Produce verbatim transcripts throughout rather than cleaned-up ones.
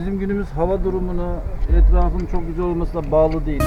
Bizim günümüz hava durumuna, etrafın çok güzel olmasına bağlı değil.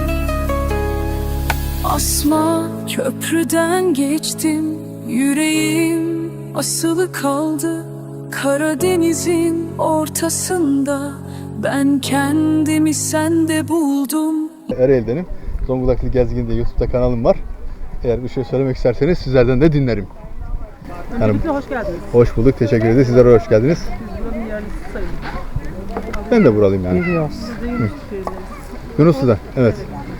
Asma köprüden geçtim, yüreğim asılı kaldı. Karadeniz'in ortasında ben kendimi sende buldum. Ereğli'denim. Zonguldaklı Gezgin diye YouTube'da kanalım var. Eğer bir şey söylemek isterseniz sizlerden de dinlerim. Öncelikle hoş geldiniz. Hoş bulduk, teşekkür ederiz. Sizler de hoş geldiniz. Biz buranın yerlisi sayılırız. Ben de buralıyım yani. Biz de Yunus Köyü'ndeyiz. Yunuslu'da, evet.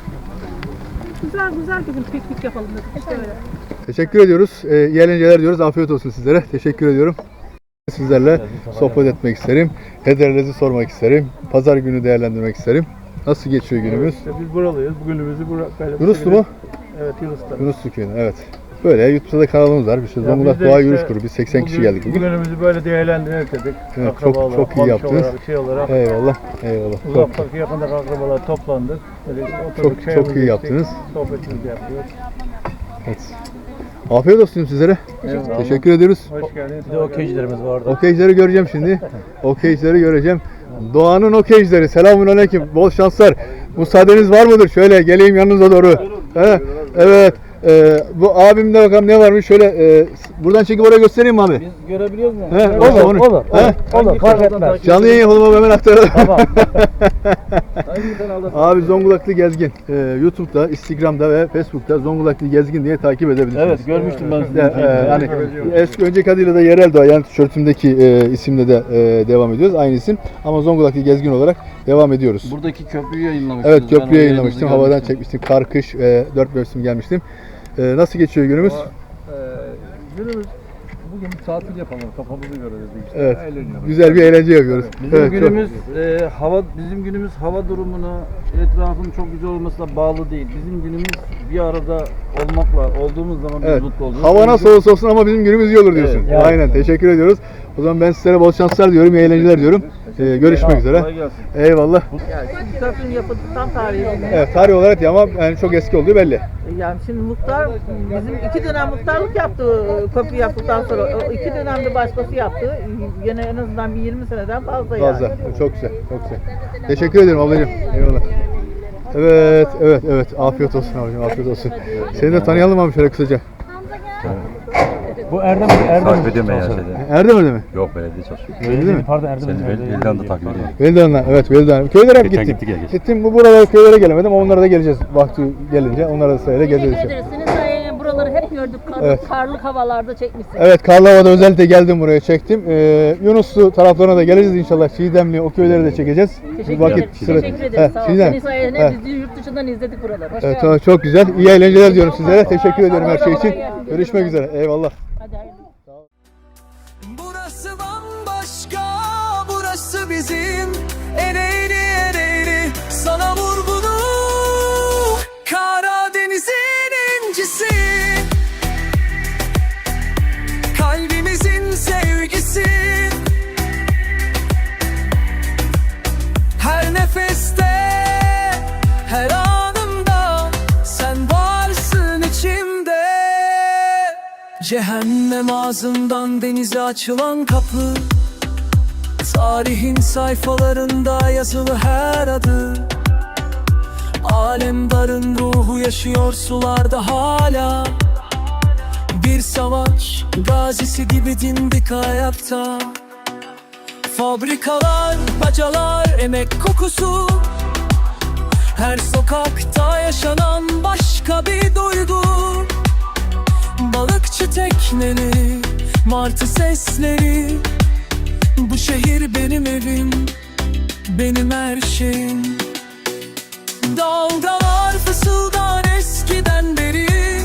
Güzel güzel bir gün piknik yapalım dedik işte öyle. Teşekkür ediyoruz. Ee, iyi eğlenceler diyoruz. Afiyet olsun sizlere. Teşekkür ediyorum. Sizlerle sohbet etmek isterim. Hederlerinizi sormak isterim. Pazar günü değerlendirmek isterim. Nasıl geçiyor günümüz? İşte biz buralıyız. Bugünümüzü bura, böyle Yunuslu mu? Evet, Yunus'ta. Yunuslu köyü, evet. Böyle YouTube'da da kanalımız var. Bir şey Zonguldak Doğa Yürüyüş Grubu. Biz seksen kişi geldik bugün. Bugünümüzü böyle değerlendirmek dedik. Evet, çok çok iyi yaptınız. Olarak, şey olarak, Eyvallah, eyvallah. Çok, uzaktaki yakındaki akrabalar toplandık. Böyle oturduk, Çok- çayımızı çok iyi içtik, yaptınız. Sohbetimizi yapıyoruz. evet. Afiyet olsun sizlere. Eyvallah. Teşekkür ediyoruz. Hoş geldiniz. Bir de okeycilerimiz vardı. Okeycileri göreceğim şimdi. Okeycileri göreceğim. Doğanın okeycileri. Selamun aleyküm. Bol şanslar. Müsaadeniz var mıdır? Şöyle geleyim yanınıza doğru. He? Evet. Ee, bu abimde bakalım ne varmış. Şöyle e, buradan çekip oraya göstereyim mi abi? Biz görebiliyor muyuz? He, Evet. olur, olur. Olur. He? Olur. Fark etmez. Canlı yayın yapalım hemen aktaralım. Tamam. Hangi kanalda? Abi Zonguldaklı Gezgin. Ee, YouTube'da, Instagram'da ve Facebook'ta Zonguldaklı Gezgin diye takip edebilirsiniz. Evet, görmüştüm ben sizi. De, e, hani eski önceki adıyla da Yerel Doğa, yani tişörtümdeki e, isimle de e, devam ediyoruz. Aynı isim ama Zonguldaklı Gezgin olarak devam ediyoruz. Buradaki köprüyü yayınlamıştınız. Evet, Ben köprüye o yayınlamıştım. yayınınızı Havadan görmüştüm. çekmiştim. Kar, kış, e, dört mevsim gelmiştim. E, nasıl geçiyor günümüz? Ee, günümüz bugün tatil yapalım, kafamızı görelim işte. Evet. Eğleniyoruz. Güzel bir eğlence yapıyoruz. Bizim Evet, çok- günümüz e, hava bizim günümüz hava durumuna, etrafın çok güzel olmasına bağlı değil. Bizim günümüz bir arada olmakla olduğumuz zaman biz Evet. mutlu oluyoruz. Hava nasıl olursa olsun ama bizim günümüz iyi olur diyorsun. Evet, Aynen. Teşekkür ediyoruz. O zaman ben sizlere bol şanslar diyorum, iyi eğlenceler diyorum. E, görüşmek üzere. Kolay gelsin. Eyvallah. Yani şimdi köprünün yapıldıktan tarihi olmuş. Evet, tarih olarak ya ama yani çok eski olduğu belli. Yani şimdi muhtar bizim iki dönem muhtarlık yaptı köprü yaptıktan sonra. O iki dönemde başkası yaptı. Yine en azından bir yirmi seneden fazla yani. Fazla. Çok güzel, çok güzel. Teşekkür ederim ablacığım. Eyvallah. Evet, evet, evet. Afiyet olsun abicim, afiyet olsun. Seni de tanıyalım abi şöyle kısaca. Bu Erdem Erdem Takip ediyorum ben ya şeyde. Erdem öyle mi? Yok belediye çalışıyor. Öyle değil mi? Pardon Erdem. Seni Vel- Veldan'da takip ediyorum. Velidan'la, evet Velidan. Köylere hep Geçen gittim. gittik ya, geçen. Gittim, bu buralara köylere gelemedim. Onlara da geleceğiz vakti gelince. Onlara da sayıyla geleceğiz. Teşekkür inşallah. ederiz. Senin sayende buraları hep gördük. Kar, Evet. Karlı havalarda çekmişsin. Evet, Karlova'da özellikle geldim buraya, çektim. Ee, Yunuslu taraflarına da geleceğiz inşallah. Çiğdemli, o köyleri de çekeceğiz. Teşekkür Vakit ederim. sıra- Teşekkür He, ederim. Sağ ol. Çiğdem. Senin sayende He. biz de yurt dışından izledik buraları. Hoş Evet, geldin. tamam, çok güzel. İyi eğlenceler diyorum sizlere. Teşekkür ediyorum her şey için. Görüşmek üzere. Eyvallah. Hadi hayırlı. Burası bambaşka, burası bizim Ereğli Ereğli, sana vur bunu. Karadeniz'in incisi, kalbimizin sevgisi. Her nefeste, her anımda sen varsın içimde. Cehennem ağzından denize açılan kapı, tarihin sayfalarında yazılı her adı. Alemdarın ruhu yaşıyor sularda hala. Bir savaş gazisi gibi dimdik ayakta. Fabrikalar, bacalar, emek kokusu. Her sokakta yaşanan başka bir duygu. Balıkçı tekneleri, martı sesleri. Bu şehir benim evim, benim her şeyim. Dalgalar fısıldar eskiden beri.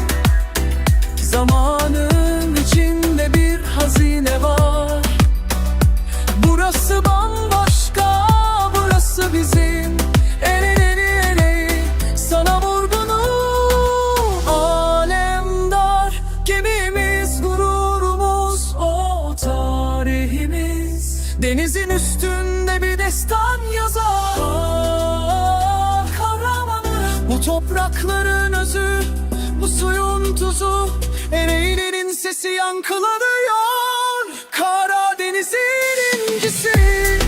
Zamanın içinde bir hazine var. Burası bambaşka, burası bizim Ereğli Ereğli, sana vur bunu. Alemdar gemimiz, gururumuz, o tarihimiz. Denizin üstünde bir destan yazar. Ah, kahramanı, bu toprakların özü, bu suyun tuzu. Ereğli'nin sesi yankılanıyor, Karadeniz'in incisi.